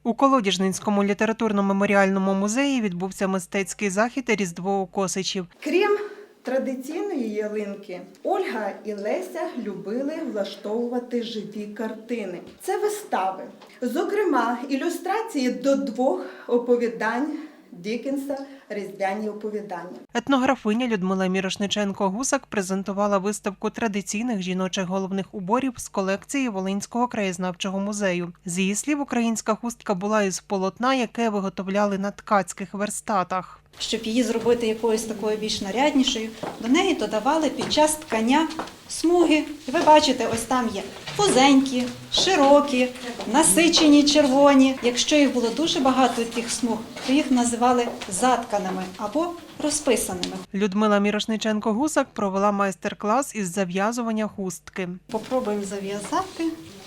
У Колодіжнинському літературно-меморіальному музеї відбувся мистецький захід «Різдво у Косичів». Крім традиційної ялинки, Ольга і Леся любили влаштовувати живі картини. Це вистави, зокрема, ілюстрації до 2 оповідань Діккенса «Різдвяні оповідання». Етнографиня Людмила Мірошниченко-Гусак презентувала виставку традиційних жіночих головних уборів з колекції Волинського краєзнавчого музею. З її слів, українська хустка була із полотна, яке виготовляли на ткацьких верстатах. Щоб її зробити якоюсь такою більш наряднішою, до неї додавали під час ткання смуги. І ви бачите, ось там є вузенькі, широкі, насичені червоні. Якщо їх було дуже багато тих смуг, то їх називали затканими або розписаними. Людмила Мірошниченко-Гусак провела майстер-клас із зав'язування хустки. Попробуємо зав'язати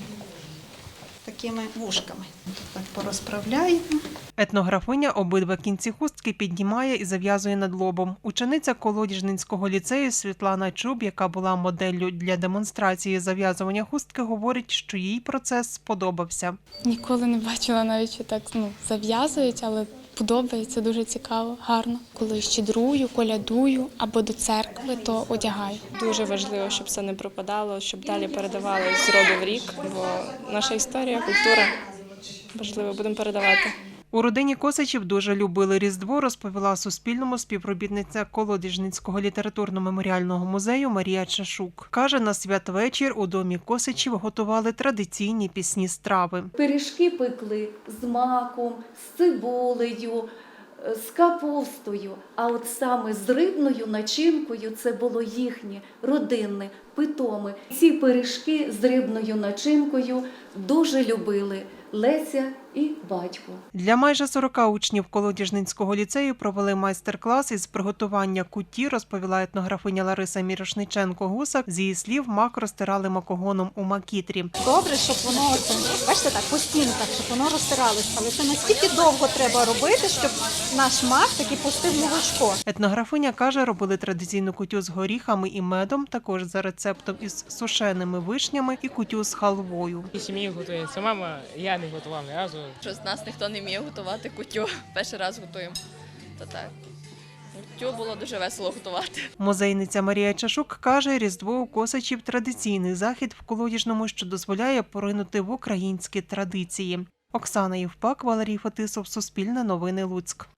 такими вушками. Так порозправляємо. Етнографиня обидва кінці хустки піднімає і зав'язує над лобом. Учениця Колодіжнинського ліцею Світлана Чуб, яка була моделлю для демонстрації зав'язування хустки, говорить, що їй процес сподобався. Ніколи не бачила навіть, що так зав'язують, але подобається, дуже цікаво, гарно. Коли щедрую, колядую або до церкви, то одягаю. Дуже важливо, щоб це не пропадало, щоб далі передавалося з роду в рік, бо наша історія, культура важливо, будемо передавати. У родині Косичів дуже любили Різдво, розповіла Суспільному співробітниця Колодіжнинського літературно-меморіального музею Марія Чашук. Каже, на святвечір у домі Косичів готували традиційні пісні страви. Пиріжки пекли з маком, з цибулею, з капустою, а от саме з рибною начинкою це було їхнє родинне, питоме. Ці пиріжки з рибною начинкою дуже любили Леся і батько. Для майже 40 учнів Колодіжнинського ліцею провели майстер-клас із приготування кутті, розповіла етнографиня Лариса Мірошниченко-Гусак. З її слів, мак розтирали макогоном у макітрі. Добре, щоб воно, бачите, так, постійно, так, щоб воно розтиралося. Але це настільки довго треба робити, щоб наш мак таки пустив молочко. Етнографиня каже, робили традиційну кутю з горіхами і медом, також за рецептом із сушеними вишнями і кутю з халвою. І сім'ї готується мама, я не готував ні разу. Що з нас ніхто не вміє готувати кутю. Перший раз готуємо. То так. Кутю було дуже весело готувати. Музейниця Марія Чашук каже, Різдво у Косичів – традиційний захід в Колодіжному, що дозволяє поринути в українські традиції. Оксана Євпак, Валерій Фетисов, Суспільне новини, Луцьк.